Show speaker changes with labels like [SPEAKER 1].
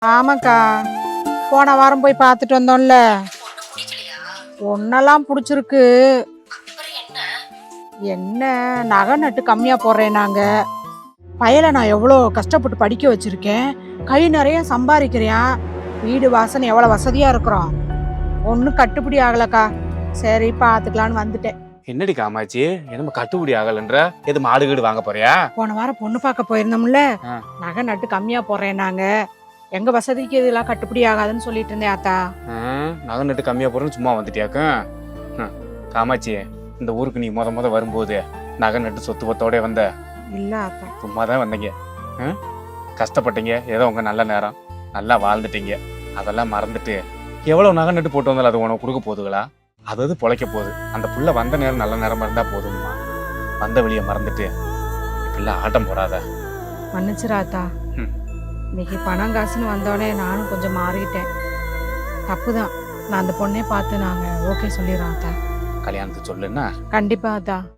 [SPEAKER 1] ஆமாக்கா, போன வாரம் போய் பார்த்துட்டு வந்தோம்ல. ஒன்னெல்லாம் பிடிச்சிருக்கு. என்ன நகை நட்டு கம்மியா போடுறேன் நாங்க. பையலை நான் எவ்வளோ கஷ்டப்பட்டு படிக்க வச்சிருக்கேன். கை நிறைய சம்பாதிக்கிறேன். வீடு வாசனை எவ்வளோ வசதியா இருக்கிறோம். ஒன்றும் கட்டுப்படி ஆகலக்கா. சரி பார்த்துக்கலான்னு வந்துட்டேன்.
[SPEAKER 2] என்னடி காமாச்சி, என்னமோ கட்டுப்படி ஆகலன்ற? எது மாடு கீடு வாங்க போறியா?
[SPEAKER 1] போன வாரம் பொண்ணு பார்க்க போயிருந்தோம்ல.
[SPEAKER 2] ஆ.
[SPEAKER 1] நகை நட்டு கம்மியா போடுறேன் நாங்க. எங்க வசதிக்கு இதெல்லாம் கட்டுப்படி ஆகாதுன்னு சொல்லிட்டு இருந்தேன் ஆத்தா.
[SPEAKER 2] நகை நட்டு கம்மியா போறேன்னு சும்மா வந்துட்டியாக்கும். காமாச்சி, இந்த ஊருக்கு நீ முத வரும்போது நகை நட்டு சொத்து பத்தோட வந்த?
[SPEAKER 1] இல்ல ஆத்தா.
[SPEAKER 2] சும்மா தான் வந்தீங்க. கஷ்டப்பட்டீங்க, ஏதோ உங்க நல்ல நேரம், நல்லா வாழ்ந்துட்டீங்க. அதெல்லாம் மறந்துட்டு எவ்வளவு நகை நட்டு போட்டு வந்தாலும் அது உனக்கு கொடுக்க போகுதுங்களா? அதாவது பொழைக்க போகுது. அந்த புள்ள வந்த நேரம் நல்ல நேரமா இருந்தா போதும்மா. வந்த வழியை மறந்துட்டு இப்பெல்லாம் ஆட்டம் போடாத.
[SPEAKER 1] மன்னிச்சிராத்தா. இன்னைக்கு பணம் காசுன்னு வந்தோடனே நானும் கொஞ்சம் மாறிட்டேன். தப்புதான். நான் அந்த பொண்ணே பார்த்து நாங்க ஓகே சொல்லிடுறோம் ஆத்தா.
[SPEAKER 2] கல்யாணத்துக்கு சொல்லுன்னா
[SPEAKER 1] கண்டிப்பா ஆத்தா.